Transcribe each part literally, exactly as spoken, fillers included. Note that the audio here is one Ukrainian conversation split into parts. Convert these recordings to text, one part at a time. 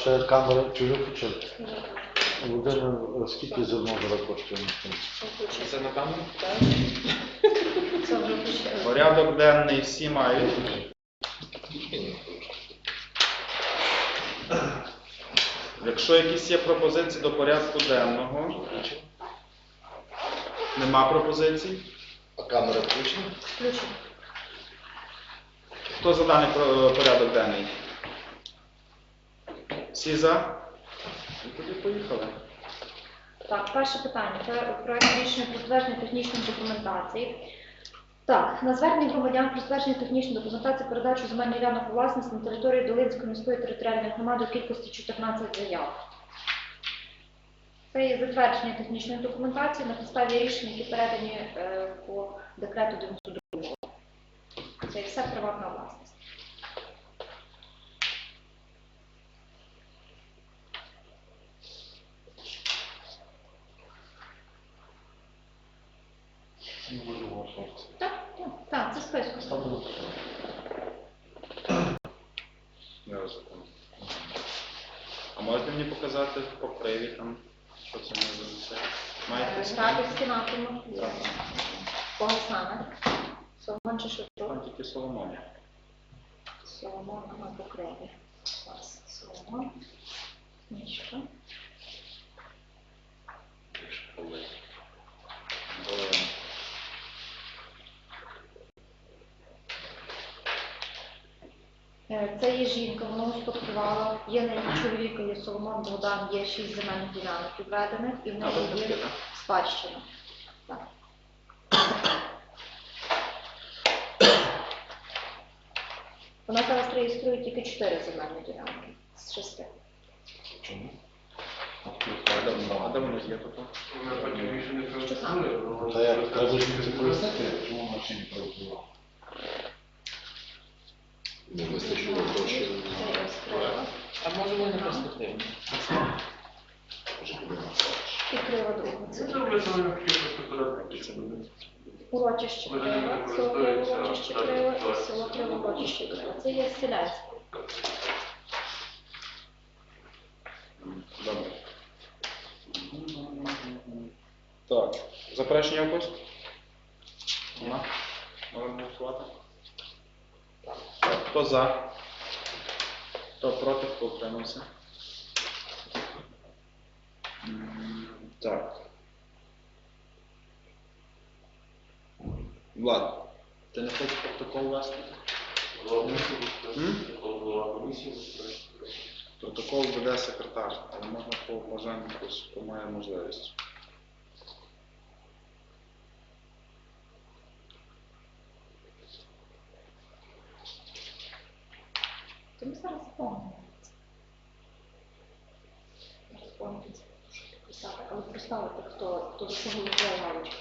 ще камера чи виключили? Людина, скільки зернового коштує? Це на камеру? Це вже включили. Порядок денний всі мають. Якщо якісь є пропозиції до порядку денного, нема пропозицій. А камера включена? Включено. Хто за даний про- порядок денний? Всі за? І тоді поїхали. Так, перше питання. Це проект рішення про затвердження технічної документації. Так, на звернення громадян про затвердження технічної документації передачу земельних ділянок у власність на території Долинської міської територіальної громади у кількості чотирнадцять заяв. Це є затвердження технічної документації на підставі рішень, які передані е, по декрету дев'яносто другого. Це є все приватна власність. Так, так, так, це список. Не розумію. А можете мені показати по криві там, що це може бути? Маєте скрін? Грабівський напрямок. Кого саме? Соломон чи Там Шевчук? тільки Соломон. Соломон, ага, по криві. Клас. Соломон. Мішка. Долин. Е, Це є жінка, вона успадкувала. Є на її чоловіка, є Соломон Богдан, є шість земельних ділянок відведених, і в А, неї ви є такі, так? спадщина. Так. Вона зараз реєструє тільки чотири земельні ділянки з шести. Чому? А де воно- а де воно є тут? Що саме? Та як треба жінці пояснити, чому вона ще не працювала? Не вистачило грошей. Це я скрила. А може вони перспективні? І крива друга. Це урочище крива, село Криво урочище крива і село Криво урочище крива. Це є селянське. Добре. Так. Заперечення якось? Нема? Можемо голосувати? Так. Хто за? Хто проти, хто утримався? М, Так. Влад, ти не хочеш протокол вести? М? Протокол веде секретар, але можна по бажанню, хтось, хто має можливість. То ми зараз заповнимо. Зараз помните, що підписати, але проставити, хто, хто за кого голосує галочку.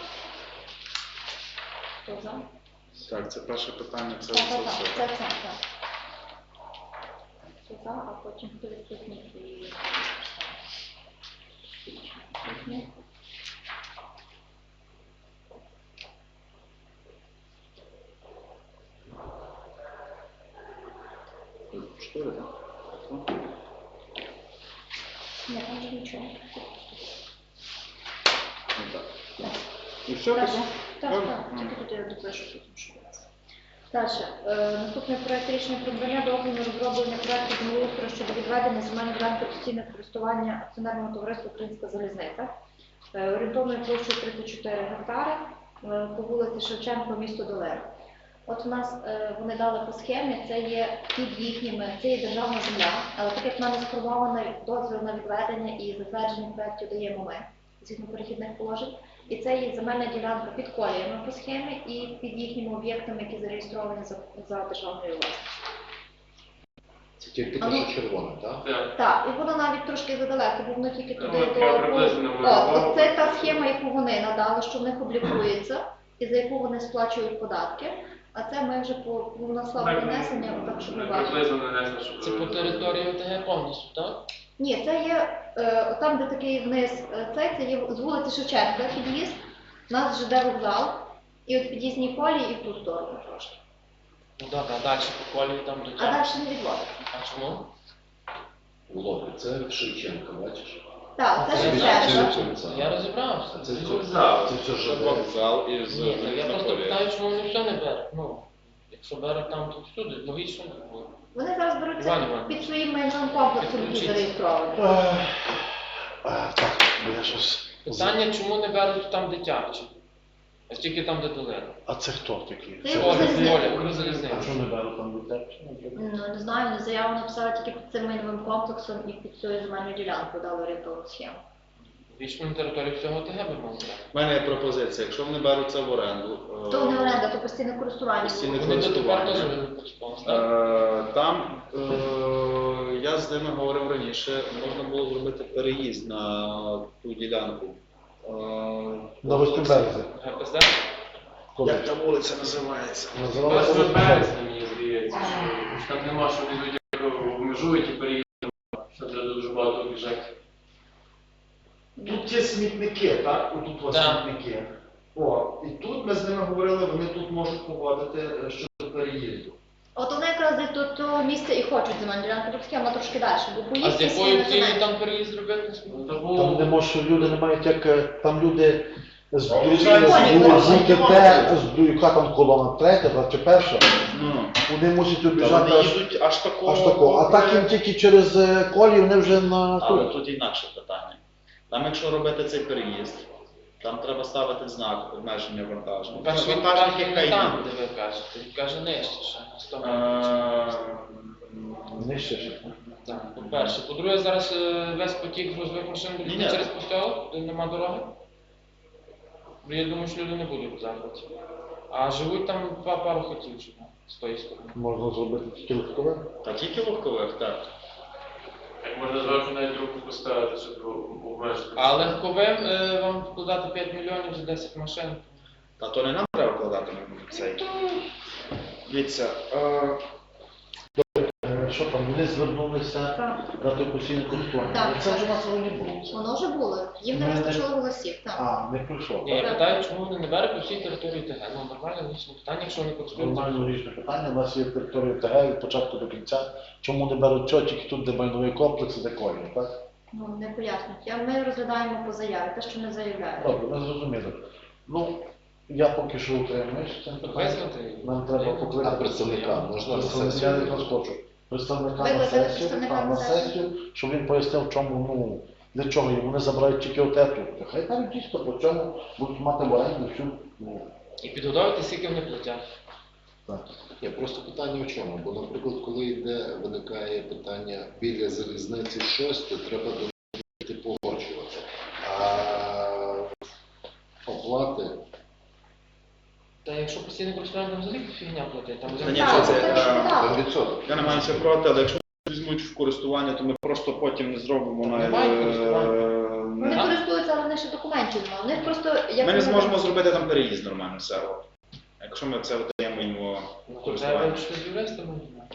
Хто за? Так, це перше питання, це Так, це так, все. так, це, це, так. Хто за, а потім хто відсутній і... Відсутній. Чотири, так? Ні, там же нічого. Ну так. І все, Так, так? так, Добре? так, Ага. тільки тут я допишу потім, що це. Далі. Е, наступний проект рішення про надання дозволу на розроблення проекту землеустрою щодо відведення земельної ділянки постійного користування акціонерного товариства «Українська залізниця». Е, орієнтовною площею тридцять чотири гектари е, по вулиці Шевченко, місто Долина. От у нас е, вони дали по схемі, це є під їхніми, це є державна земля, але так як в мене сформований дозвіл на відведення і затвердження проєктів даємо ми, згідно перехідних положень. І це є земельна ділянка під коліями по схемі і під їхніми об'єктами, які зареєстровані за, за державною власністю. Це тільки А те, ну. що червоне, так? Так, і воно навіть трошки задалеко, бо воно тільки туди Ну, до... я приблизно От, малював. от це та схема, яку вони надали, що в них облікується, і за яку вони сплачують податки. А це ми вже по наславу внесення, так щоб ви бачили. Це по території ОТГ повністю, так? Ні, це є е, там, де такий вниз, е, це, це є з вулиці Шевченка під'їзд, у нас ЖД вокзал, і от під'їзній колії і в ту сторону трошки. Ну так, а далі по колії там до А цього. далі не відводиться. А чому? У Це Шевченка, бачиш? Так, це Це ще знаю, все. це- Я розібрався. Це Це все- вокзал. Це все, Це що вокзал із Ні, так я просто Мелітополя. питаю, чому вони все не беруть. Ну, якщо беруть там, то всюди, логічно було. Вони зараз беруть Іван це Іванович. під своїм майновим комплексом, який Підключіться. зареєстрований. Ех, а, Так, бо я щось... Питання, чому не беруть там дитячі? А тільки там, де долина. А це хто такий? Це Це- Оля, Оля, Оля, Оля, А залізниця. що не беру там дитячі? Ну, не знаю, вони заяву написали тільки під цим майновим комплексом і під цією земельною ділянкою дали орієнтовну схему. Вічно на території всього ТГ би мав брати. У мене є пропозиція, якщо вони беруть це в оренду, е, То не оренда, то постійне користування. Постійне було. Вони дотепер користування. теж не користувалися, так? Е, Там е, я з ними говорив раніше, можна було зробити переїзд на ту ділянку. Е, На восьмому березі. ГПЗ? Коли? Як та вулиця називається? Називалося Першого восьмого березня. березня, мені здається, що там нема, що люди обмежують і переїздять, що треба дуже багато обіжати. Тут є смітники, так? Отут ось Так. смітники. О, і тут ми з ними говорили, вони тут можуть погодити е, щодо переїзду. От вони якраз десь до того місця і хочуть земельну ділянку, тут схема трошки далі, бо А з поїздки якою сильно цілею земельні. там переїзд зробити? Ну, то Там було... не може, люди не мають як, е, там люди з Ну, з- з- це законі, з так. УКТ, з яка там колона третя та чи перша, Ну, вони мусять та вони обіжати аж, їдуть аж такого. аж тако. А так їм тільки через е, колії вони вже на Але тут. тут інакше питання. Там, якщо робити цей переїзд, там треба ставити знак обмеження вантажу. Перше, він Вантажник, каже, яка не там, їде. де ви кажете, він каже нижче, ще на сто Е, метрів. Нижче ще. Так, по-перше. По-друге, зараз е, весь потік грузових машин буде Ні-ні. через поселок, де нема дороги. Ну, я думаю, що люди не будуть захваті. А живуть там два пару хотів живе з тої сторони. Можна зробити тільки легкове. Та тільки легкових, так. Так можна зверху навіть руку поставити, щоб обмежити. А легковим е, вам вкладати п'ять мільйонів за десять машин. Та то не нам треба вкладати на цей. Дивіться, е, Е, Що там, вони звернулися Так. дати постійне користування. Так. Це вже у нас не було. Воно вже було, їм не Ми не- вистачило голосів. Так. А, не пройшло. Ні, я питаю, чому вони не беруть по всій території ТГ. Ну, нормальне логічне питання, якщо вони користуються. Нормально річне питання. У нас є територія ТГ від початку до кінця. Чому не беруть цього, тільки тут, де майновий комплекс, і де колії, так? Ну, не пояснюють. Я- Ми розглядаємо по заяві, те, що не заявляють. Добре, ми зрозуміли. Ну, я поки що утримуюсь цим питанням. Визнати. Нам треба покликати А представника можна на Представника, сесію? я якраз хочу. Представника на Викликати сесію, представника так, на на сесію. сесію, щоб він пояснив, в чому, ну, для чого їм. Вони забирають тільки отету. Хай кажуть дійсно, по чому будуть мати в оренду всю, ну, І підготовити, скільки вони платять. так. Є просто питання в чому? Бо, наприклад, коли йде, виникає питання біля залізниці щось, то треба до них погоджувати. А оплати, Та якщо постійно користування, там взагалі фігня платить. Там Та взагалі- ні, Так, що це, це е, ж так. там відсоток. я не маю нічого проти, але якщо візьмуть в користування, то ми просто потім не зробимо на. Немає користування. е, Вони на- користуються, але в них ще документів немає. У них просто як Ми не вони- зможемо зробити там переїзд нормально все. от. Якщо ми це видаємо йому в Ну, то треба користування. вирішити з юристами.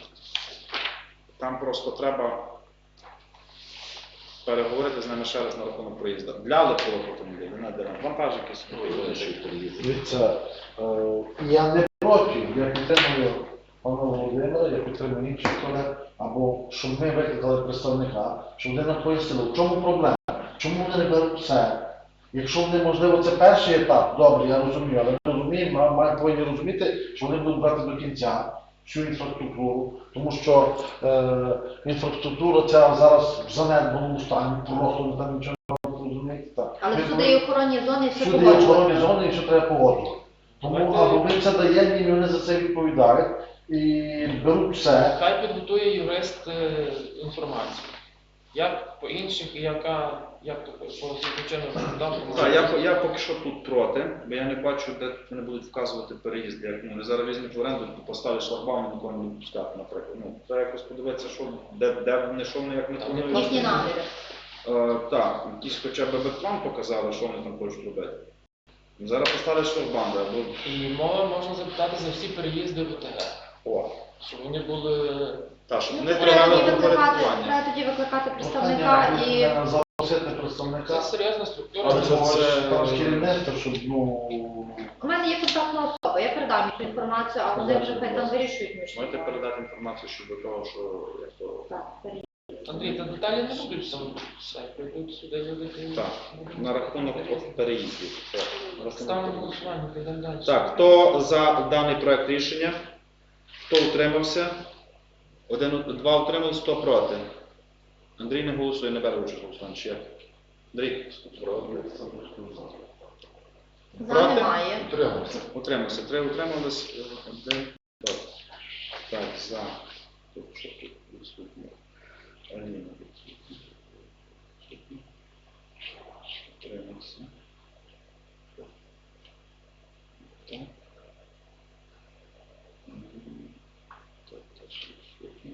Там просто треба переговорити з ними ще раз на рахунок проїзду. Для легкових автомобілів, не для вантажників собі. Дивіться, е, я не проти, я підтримую пана Володимира, я підтримую інших колег, або щоб ми викликали представника, щоб вони нам пояснили, в чому проблема, чому вони не беруть все. Якщо вони, можливо, це перший етап, добре, я розумію, але ми розуміємо, ми маємо повинні розуміти, що вони будуть брати до кінця всю інфраструктуру, тому що е, інфраструктура ця зараз в занедбаному стані, просто ми там нічого не розумієте. Так. Але Ми всюди є охоронні зони і все Всюди є охоронні погоджується. зони і все треба погоджувати. Тому Давайте- або ми це даємо їм, і вони за це відповідають і беруть все. Хай підготує юрист е, інформацію. Як по інших, і яка, як то по звичайно законодавству. Так, я, по- я поки що тут проти, бо я не бачу, де вони будуть вказувати переїзд. Як ну, вони зараз візьмуть в оренду, поставлять шлагбаум і нікого не будуть пускати, наприклад. Ну, треба якось подивитися, що, де, де вони, що вони, як не Там не планують. Їхні наміри. Е, так, якийсь хоча б бек-план показали, що вони там хочуть робити. Зараз поставлять шлагбаум, або І мова можна запитати за всі переїзди в ОТГ. о, Щоб вони були. так, щоб Ну, вони треба привели тоді до викликати, порядкування. треба тоді викликати представника Прохання, і е, запросити Це представника, серйозна структура. але це- це там з керівництва, щоб, ну, у мене є контактна особа, я передам їм цю інформацію, а вони вже хай там вирішують між Можете собою. передати інформацію щодо того, що як то Так, перед- Андрій, та деталі не будуть там все, прийдуть сюди люди. і- Так, на рахунок от переїздів. Це на рахунок Ставимо на переїздів. голосування, підемо далі. Так, хто за даний проект рішення? Хто утримався? Один, два утримались, хто проти? Андрій не голосує, не бере участь в голосуванні. Чи як? Андрій, проти. За Проти? немає. Утримався. Утримався. Три утримались, один проти. Так, за. Тут що тут відсутні? Аліна відсутня. Утримався. Так. Мгм. Так, теж відсутні.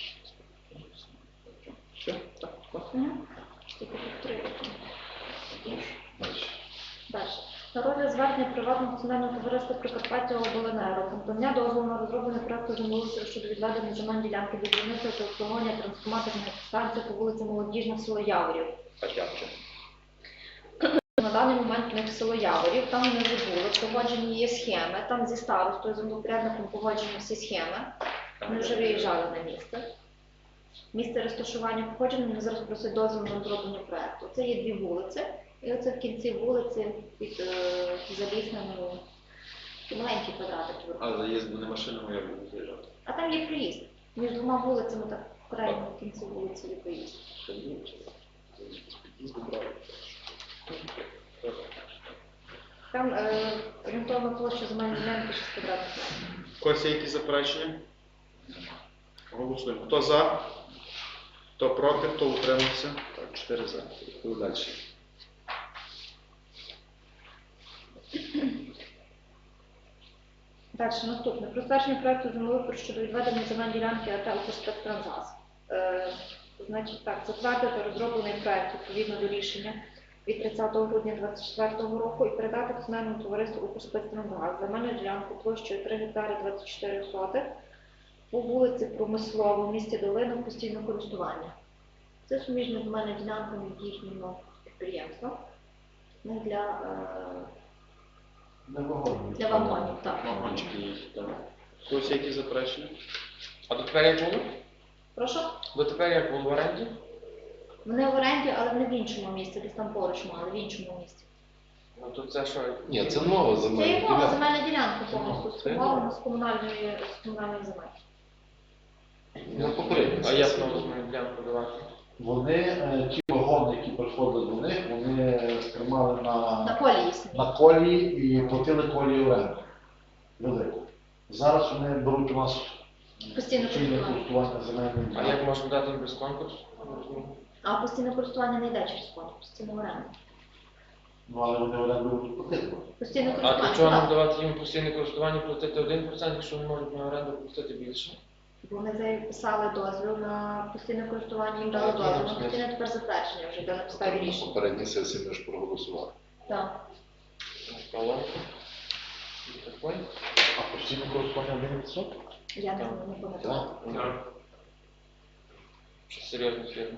Все? Так, так. Мгм. Тільки підтримати. Далі. Далі. На розгляд звернення приватного акціонерного товариства Прикарпаття Обленерго про надання дозволу на розроблення проекту землеустрою щодо відведення земельної ділянки для будівництва та обслуговування трансформаторної станції по вулиці Молодіжна, село Яворів. Так, я вже. На даний момент в них село Яворів, там вони вже були, погоджені є схеми, там зі старостою, землепорядником погоджені всі схеми. Вони вже виїжджали на місце. Місце розташування погоджено, вони зараз просять дозвіл на розроблення проекту. Це є дві вулиці, і оце в кінці вулиці під е, залісненою маленький квадратик. А заїзд не машинами я буду заїжджати. А там є проїзд. Між двома вулицями, так в крайньому кінці вулиці є проїзд. Під'їзду брали. Там е, орієнтовна площа земельної ділянки шість квадратних метрів. У когось є якісь заперечення? Голосуємо. Хто за? Хто проти? Хто утримався? Так, чотири за. Йдемо далі. Далі, наступне. Про затвердження проекту землеустрою щодо відведення земельної ділянки АТ «Укрспецтранзгаз». Е, значить так, затвердити розроблений проект відповідно до рішення від тридцятого грудня двадцять четвертого року і передати акціонерному товариству «Укрспецтранзгаз» земельну ділянку площею три гектари двадцять чотири сотих по вулиці Промислова в місті Долина в постійне користування. Це суміжна земельна ділянка від їхнього підприємства. Ну, для, е, Не вагоні. для вагонів, так. Вагончики є. Так. У когось є якісь заперечення? А дотепер як було? Прошу? Дотепер як було в оренді? Вони в оренді, але не в іншому місці, десь там поруч мали, в іншому місці. Ну то це що? Ні, це нова Це земельна є нова ділянка. земельна ділянка повністю Це сформована з комунальної, з комунальної земель. На попередній А як сесії. нам земельну ділянку давати? Вони, е, ті вагони, які приходили до них, вони тримали На на, колії самі. на колії і платили колії оренду. Велику. Зараз вони беруть у нас Постійне постійне користування. користування земельним А як можна дати їм без конкурсу? Не розумію. А постійне користування не йде через фонд, постійне оренда. Ну, але вони оренду будуть платити. Постійне А для користування. чого нам так. давати їм постійне користування, платити один відсоток, якщо вони можуть на оренду платити більше? Бо вони записали дозвіл на постійне користування, їм дали дозвіл на постійне тепер затвердження вже йде на підставі На рішення. попередній сесії ми ж проголосували. Так. Колонку. І такий. А постійне користування один відсоток? Я не, не пам'ятаю. Так. Що серйозна фірма.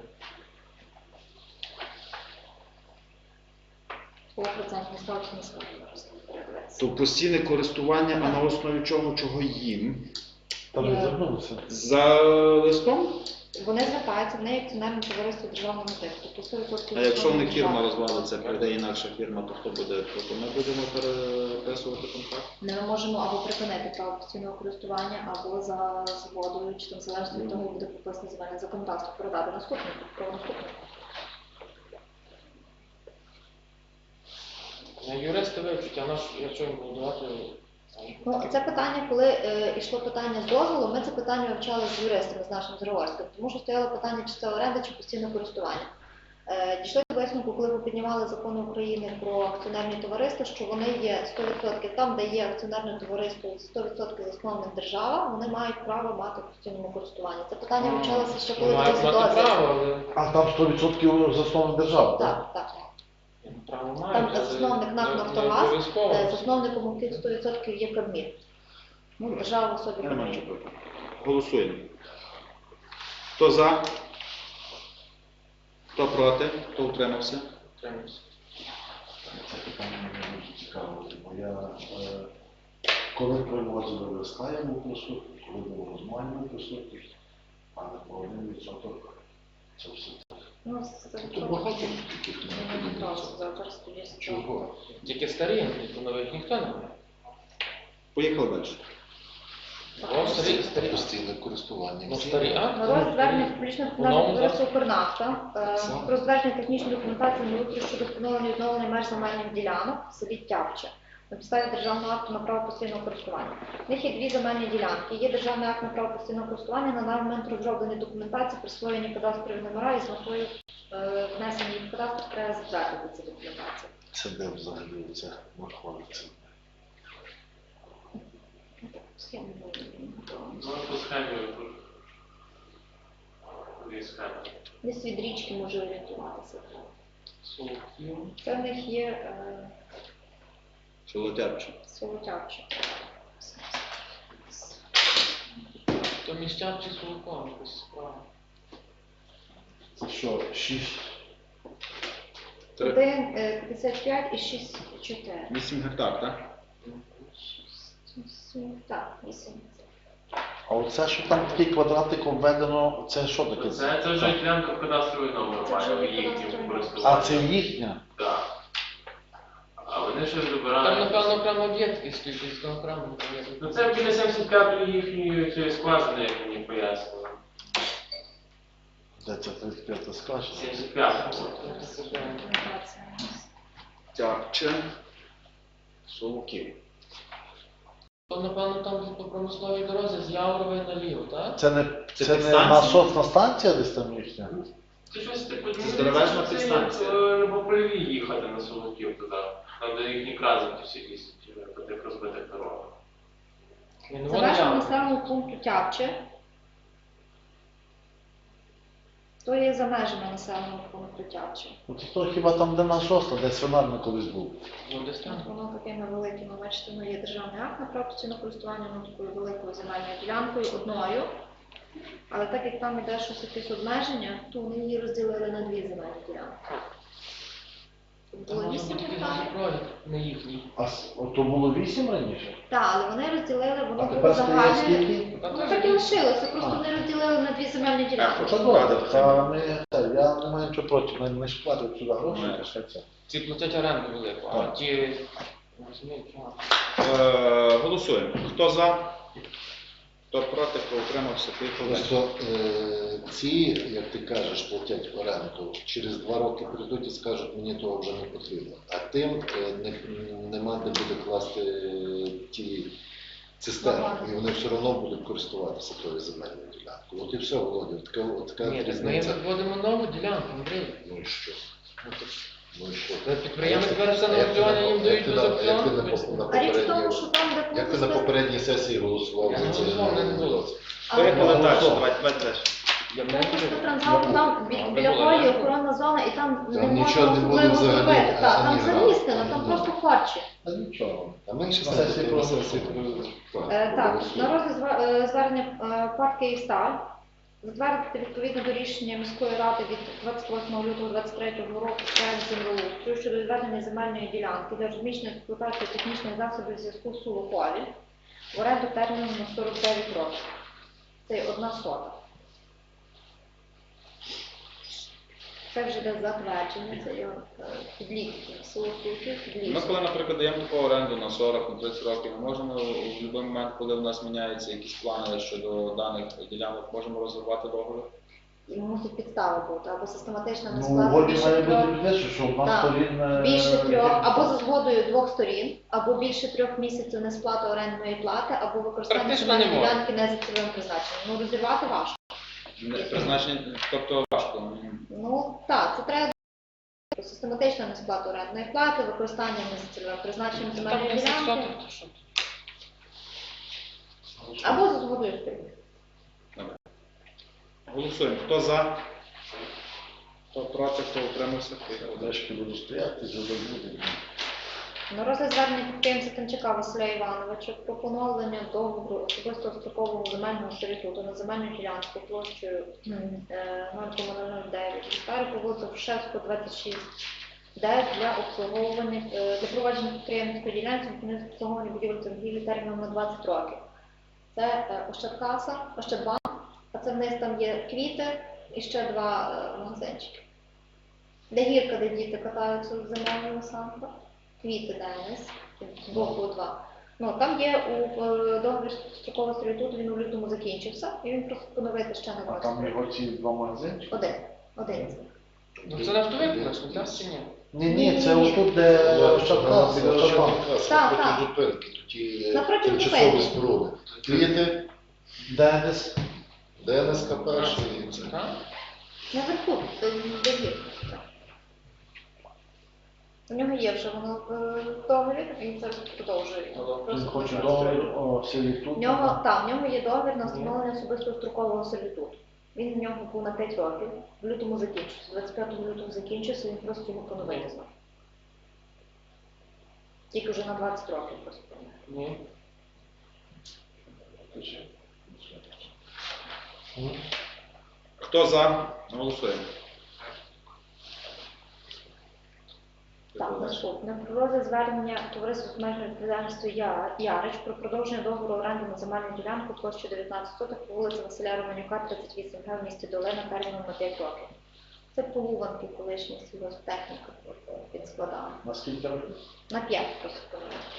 По процентній ставці не скажу просто передивитися. То постійне користування, а на основі чого, чого їм? Там Є. не звернулися. За листом? Вони звертаються, в неї акціонерне товариство державного типу. Тобто сто відсотків А якщо в них державного. фірма розвалиться, прийде інакша фірма, то хто буде? То ми будемо переписувати контракт? Не ми можемо або припинити право постійного користування, або за згодою, чи там залежно від того, як буде прописане земельне законодавство, передати наступнику, право наступнику. Ну, юристи вивчать, а наш, якщо їм будувати, Ну, це питання, коли е, йшло питання з дозволу, ми це питання вивчали з юристами, з нашим Зривольським, тому що стояло питання, чи це оренда, чи постійне користування. Е, дійшли до висновку, коли ми піднімали закони України про акціонерні товариства, що вони є сто відсотків там, де є акціонерне товариство, сто відсотків засновник держава, вони мають право мати в постійному користуванні. Це питання вивчалося ще коли мають був мати дозвіл. право, але А там сто відсотків заснована держава, так? Так, так. право мають, Там але засновник НАК не- не «Нафтогаз», обов'язково. Е, засновником тих сто відсотків є Кабмін. Ну, держава в особі Немає Кабмін. нічого проти. Голосуємо. Хто за? Хто проти? Хто утримався? Тримаємося. Це питання мені дуже цікаво, бо я е, коли привозили листа, я був присутній, коли було розмовлення присутній, але по один відсоток Це все. Ну, це Тут багато таких не не просто, зараз тоді Чого? Тільки старі, ніхто нових ніхто не має. Поїхали далі. О, старі, старі. Постійне користування. Ну, старі, а? На розгляд звернення публічного По новому товариства «Укрнафта» е, Саме. про затвердження технічної документації землеустрою щодо встановлення і відновлення меж земельних ділянок в селі Тявче на підставі державного акту на право постійного користування. В них є дві земельні ділянки. Є державний акт на право постійного користування, на даний момент розроблені документації, присвоєні кадастрові номера і з метою е, внесення їх в кадастр треба затвердити ці документації. Це де взагалі це знаходиться? Схему Ну, по схемі. Дві схеми. десь від річки може орієнтуватися. Соловків. Це в них є е, Солотярче. село Тявче. То міщан чи Соловком, якось справа. Це що, шість? Три. один, е, п'ятдесят п'ять і шість, чотири. вісім гектар, так? Вісім, так, вісім. А оце, що там такий квадратик обведено, це що таке? Це, це вже ділянка в кадастровий номер Це вже має їхнім кадастровий користуванням. А це їхня? Так. А вони щось Там, добирають. напевно, окремо об'єкт стоїть, там окремо не пам'ятаю. Ну це біля сімдесят п'ятої їхньої цієї скважини, як мені пояснили. Де це тридцять п'ята скаже? сімдесят п'ята. Тярче. Соловків. То, напевно, там по промисловій дорозі з Яврової наліво, так? Це не, Це це не підстанція? насосна станція десь там їхня? Це щось типу, Це здоровезна це підстанція. як, е, по поліві їхати на Соловків туди. Там, де їхні красники всі лісять, по тих розбитих дорогах. Ні, ну, Це вони межа Явро. населеного пункту Тявче. То є за межами населеного пункту Тявче. От хто хіба там де насосна, де свинарник колись був? Ну, десь там. Воно такими великими, бачите, ну є державний акт на право постійного користування, ну такою великою земельною ділянкою, одною. Але так як там іде щось якесь обмеження, то вони її розділили на дві земельні ділянки. Там Було може вісім бути якийсь гектарів. проєкт, не їхній. А с- от то було вісім раніше? Так, але вони розділили, воно А було тепер стає загальне. скільки? Ну так і лишилося, просто А. вони розділили на дві земельні ділянки. Це добре, та ми, та, я не маю нічого проти, ми не ж платять сюди гроші, Ні. то ще це. Ці платять оренду велику, а Так. ті... Розумієте, а. Е, голосуємо. Хто за? Хто проти, хто утримався, поїхали далі. Просто е, ці, як ти кажеш, платять оренду, через два роки прийдуть і скажуть, мені того вже не потрібно. А тим е, не, нема де буде класти е, ті цистерни, і вони все одно будуть користуватися тою земельною ділянкою. От і все, Володя, от така, от така Ні, так ми різниця. їм відводимо нову ділянку, Андрій. Ну і що? Ну, так Ну і що? Та підприємець Як ти- бере все на як ти аукціоні, на- їм як дають ти без на- як ти аукціону, на- поясню. на А річ в тому, попередній- що там, де Як ти на попередній сесії голосував Я за не це? голосував, мене не було. Поїхали Але- далі, давайте, давайте далі. Я Там не просто буду. трансгал, там Ну, від- біля було, полі да. охоронна зона, і там не Там можна нічого не буде особливо взагалі, зробити. Так, ані там грам. замістено, там Ні. просто харчі. Та нічого. А ми ще На сесії на проголосуємо. сесії Е, Так, на розгляд зва- е, звернення е, ПАТ «Київсталь» затвердити відповідно до рішення міської ради від двадцять восьмого лютого двадцять третього року проект землеустрою щодо відведення земельної ділянки для розміщення експлуатації технічних засобів зв'язку в Сулополі в оренду терміном на сорок дев'ять років. Це є одна сота. Це вже йде затвердження, це є е, підлітки, село Сулків, Ми підлітки. коли, наприклад, даємо таку оренду на сорок, на тридцять років, ми можемо в будь-який момент, коли в нас міняються якісь плани щодо даних ділянок, можемо розривати договір. І мусить підстава бути, або систематична Ну, несплата годі більше має трьох. бути підвищено, що одна Так. сторін... е, Більше трьох, як- або за згодою двох сторін, або більше трьох місяців несплати орендної плати, або використання Практично земельної не можна. ділянки не за цільовим призначенням. Ну, розірвати важко. Не- Призначення, тобто важко. Ну, так, це треба систематична несплата орендної плати, використання не за цільовим призначенням Там земельної десять ділянки, соток, то що? або за згодою сторін. Голосуємо. Хто за? Хто проти, хто утримався, поїхали далі. Дешки буду стояти, вже забуду. На розгляд звернення підприємця Тимчака Василя Івановича про поновлення договору особистого строкового земельного сервітуту на земельну ділянку площею е, нуль цілих нуль нуль дев'ять гектарів по вулиці Грушевського, двадцять шість, де для обслуговування, е, для провадження підприємницької ділянки відповідно обслуговування будівель торгівлі терміном на двадцять років. Це е, Ощадкаса, Ощадбанк, а це вниз там є квіти, і ще два е, магазинчики. Де гірка, де діти катаються з зимовими санками, квіти Денис, з боку два. Ну, там є у е, договір строкового сервітуту, він у лютому закінчився, і він просто поновити ще на А двадцять там років. його ці два магазинчики? Один. Один з них. Ну це нафтовик наш, не так чи ні? Ні, ні, це отут, де Ощадкас, Біля Ощадбанк. Ощадбанка, Так, проти так. зупинки, тоді е, Напроти тимчасові зупинки. споруди. Квіти, Денис. ДНСК перший і це. Так? Наверху, де де гірка. У нього є вже воно в договір, він зараз продовжує. Алло. Він Просто хоче зараз договір треба. о сервітуту. В нього, так, в нього є договір на встановлення особистого строкового сервітуту. Він в нього був на п'ять років, в лютому закінчився, двадцять п'ятого лютого закінчився, він просто його поновити знав. Тільки вже на двадцять років просто поновити. Ні. Хто за? Голосуємо. Так, наступне. Про розгляд звернення товариства з обмеженою відповідальністю Я- Ярич про продовження договору оренди на земельну ділянку площею дев'ятнадцять соток по вулиці Василя Романюка, тридцять вісім ге в місті Долина терміном на п'ять років. Це полуванки колишня сільгосптехніка під складами. На скільки років? На п'ять просто.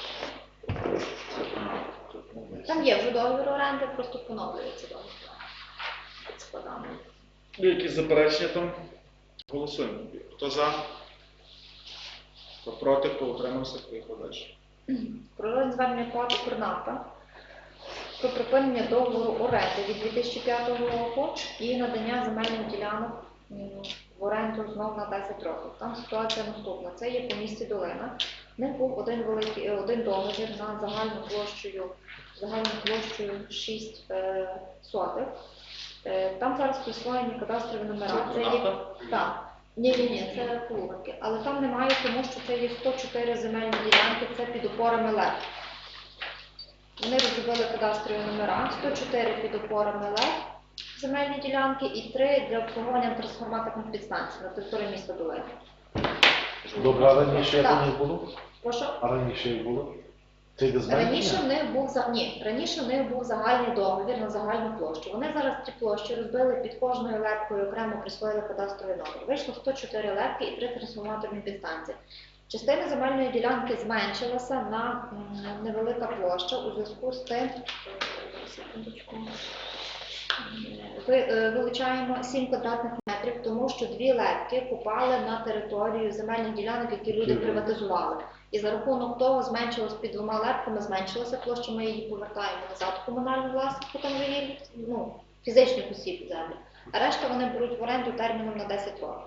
Там є вже договір оренди, просто поновлюється договір під складами. Є якісь заперечення там? Голосуємо. Хто за? Хто проти, хто утримався, поїхав далі. Про розгляд звернення ПАТ «Укрнафта» про припинення договору оренди від дві тисячі п'ятого року і надання земельних ділянок м, в оренду знову на десять років. Там ситуація наступна. Це є по місті Долина. В них був один великий е, один договір на загальну площею, загальну площею шість е, сотих. Е, там зараз присвоєні кадастрові номера. Це є Укрнафта? так. Ні, ні, ні, це полувинки. Але там немає, тому що це є сто чотири земельні ділянки, це під опорами ЛЕП. Вони розробили кадастрові номера, сто чотири під опорами ЛЕП земельні ділянки і три для обслуговування трансформаторних підстанцій на території міста Долини. Добре, а раніше як Так. у них було? Прошу? А раніше як було? Це йде зменшення? Раніше в них був за- ні, раніше в них був загальний договір на загальну площу. Вони зараз ці площі розбили під кожною лепкою, окремо присвоїли кадастровий номер. Вийшло сто чотири лепки і три трансформаторні підстанції. Частина земельної ділянки зменшилася на м, невелика площа у зв'язку з тим, е, секундочку, ви, е, вилучаємо сім квадратних метрів, тому що дві лепки попали на територію земельних ділянок, які люди приватизували. І за рахунок того зменшилось під двома лепками, зменшилася площа, ми її повертаємо назад в комунальну власність, там вже є ну, фізичних осіб землі. А решта вони беруть в оренду терміном на десять років.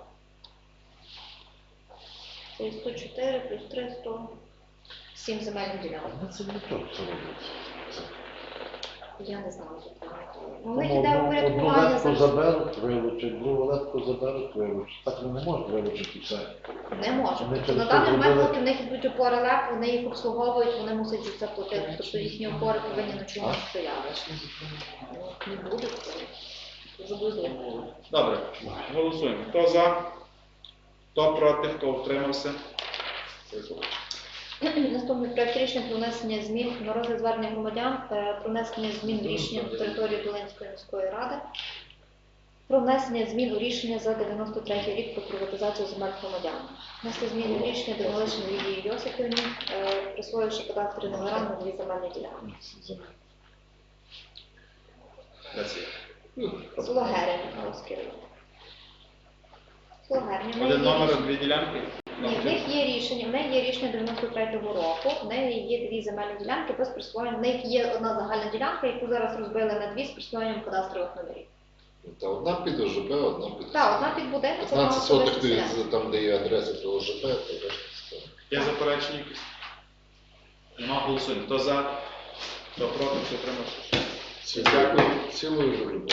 Це є сто чотири плюс три, сто сім земельних ділянок. А це не то, це робиться. Я не знаю, що там. У них Тому іде одну, одну упорядкування летку зараз. заберуть, вилучать, другу летку заберуть, вилучать. Так вони не можуть вилучити все. Не можуть. Вони Тобто через на то даний момент, зробили- поки в них йдуть опори ЛЕП, вони їх обслуговують, вони мусять за це платити. Тобто їхні опори повинні на чомусь стояти. Ну, не буде такого. Дуже близько. Добре, голосуємо. Хто за? Хто проти, хто утримався? Поїхав. Наступний проект рішення про внесення змін на розгляд звернення громадян е, про внесення змін в рішення на території Долинської міської ради про внесення змін у рішення за дев'яносто третій рік про приватизацію земель громадян. Внесли зміни в рішення Данилишин Лідії Йосипівні, е, присвоївши кадастрові номера на дві земельні ділянки. Де це є? Село Герень, Михайловський район. Село Герень. в неї Один є номер, рішення- дві ділянки? Ні, в них є рішення, в неї є рішення дев'яносто третього року, в неї є дві земельні ділянки без присвоєння. В них є одна загальна ділянка, яку зараз розбили на дві з присвоєнням кадастрових номерів. Та одна під ОЖБ, одна під Так, одна під будинок, одна п'ятнадцять сотих, особиста ти- селянка. там, де є адреса до ОЖБ, то решта все. Є заперечення якісь? Нема, голосуємо. Хто за? Хто проти, хто утримався? Цілою, цілою виглядає.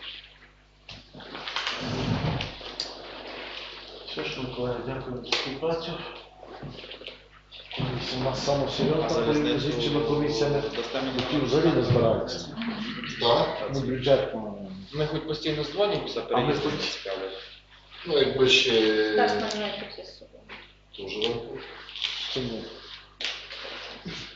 Все ж, Миколаїв, дякую за співпрацю. Комісія у нас саме серйозна, залізницю з іншими комісіями, дасте мені які номер? взагалі не збираються. Так? Ну, бюджетно. Ми хоч постійно дзвонимо за А ми переїзд, хоч- не цікавить. Ну, якби ще... Теж на мене тут є з собою. Дуже Чи ні?